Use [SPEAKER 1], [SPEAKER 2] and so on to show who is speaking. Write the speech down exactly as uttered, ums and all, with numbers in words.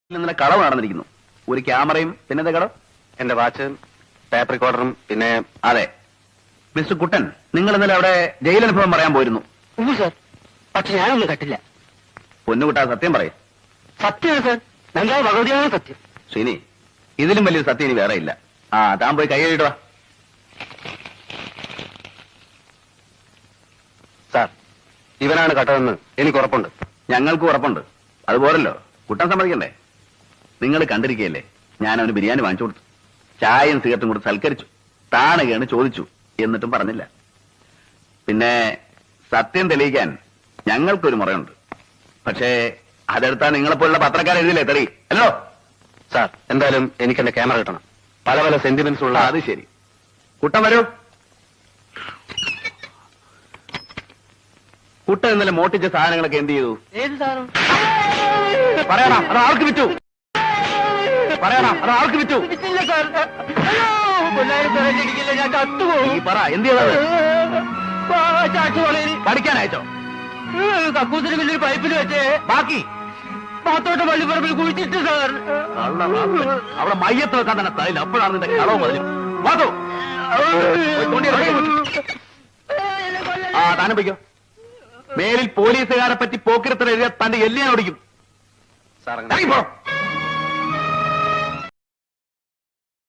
[SPEAKER 1] ഇന്നലെ കളവ് നടന്നിരിക്കുന്നു. ഒരു ക്യാമറയും പിന്നത്തെ കടം
[SPEAKER 2] എന്റെ വാച്ച്, ടേപ്പ് റെക്കോർഡറും, പിന്നെ
[SPEAKER 1] അതെ. മിസ്റ്റർ കുട്ടൻ, നിങ്ങൾ ഇന്നലെ അവിടെ ജയിലനുഭവം പറയാൻ പോയിരുന്നു.
[SPEAKER 3] സാർ, പക്ഷെ ഞാനൊന്നും കട്ടില്ല.
[SPEAKER 1] പൊന്നുകുട്ടാ, സത്യം പറയും.
[SPEAKER 3] സത്യമാണ് സാർ, നല്ല ഭഗവതിയാണ് സത്യം.
[SPEAKER 1] ശ്രീനി, ഇതിലും വലിയൊരു സത്യം ഇനി വേറെ ഇല്ല. ആ താൻ പോയി കൈ കഴുകിടുക.
[SPEAKER 2] സാർ, ഇവനാണ് കട്ടതെന്ന് എനിക്ക് ഉറപ്പുണ്ട്.
[SPEAKER 1] ഞങ്ങൾക്ക് ഉറപ്പുണ്ട്. അതുപോലല്ലോ കുട്ടൻ സമ്മതിക്കണ്ടേ? നിങ്ങൾ കണ്ടിരിക്കുകയല്ലേ, ഞാൻ അവന് ബിരിയാണി വാങ്ങിച്ചു കൊടുത്തു, ചായയും സിഗരറ്റും കൊടുത്ത് സൽക്കരിച്ചു, താണുകയാണ് ചോദിച്ചു, എന്നിട്ടും പറഞ്ഞില്ല. പിന്നെ സത്യം തെളിയിക്കാൻ ഞങ്ങൾക്കൊരു മുറയുണ്ട്. പക്ഷേ അതെടുത്താ നിങ്ങളെപ്പോലുള്ള പത്രക്കാർ എഴുതില്ലേ തെളി അല്ലോ.
[SPEAKER 2] സാർ, എന്തായാലും എനിക്ക് എന്റെ ക്യാമറ കിട്ടണം. പല പല സെന്റിമെന്റ്സ് ഉള്ള.
[SPEAKER 1] അത് ശരി. കുട്ടൻ വരൂ. കുട്ടൻ ഇന്നലെ മോട്ടിച്ച സാധനങ്ങളൊക്കെ എന്ത് ചെയ്തു?
[SPEAKER 3] ഏത് സാറും
[SPEAKER 1] പറയണം, അത് ആർക്ക് വിറ്റു? പറയണം, അത് ആർക്ക് വിറ്റു?
[SPEAKER 3] വിറ്റില്ല സാർ. അയ്യോ, കൊല്ലായിരം സാറേ, ഇടിക്കില്ല, ഞാൻ ചത്തുപോകും.
[SPEAKER 1] ഈ പറ, എന്ത് ചെയ്തത്?
[SPEAKER 3] ചാച്ചുവളയിൽ
[SPEAKER 1] പഠിക്കാൻ അയച്ചോ?
[SPEAKER 3] കക്കൂസിന് വലിയൊരു പൈപ്പിൽ വെച്ച്
[SPEAKER 1] ബാക്കി
[SPEAKER 3] പാത്തോട്ട പള്ളിപ്പറമ്പിൽ കുഴിച്ചിട്ട് സാർ.
[SPEAKER 1] കള്ള റാസ്കൽ. അവിടെ മയ്യത്ത് വെക്കാൻ തന്നെ സ്ഥലമില്ല. അപ്പോഴാണ് നിന്റെ കളവ് മതിലും. വാതോ ആ താനും വയ്ക്കോ. മേലിൽ പോലീസുകാരെ പറ്റി പോക്കിരത്തിൽ എഴുതിയ തന്റെ എല്ലിയാൻ ഓടിക്കും.
[SPEAKER 2] സാർ,
[SPEAKER 1] ഇറങ്ങി പോ.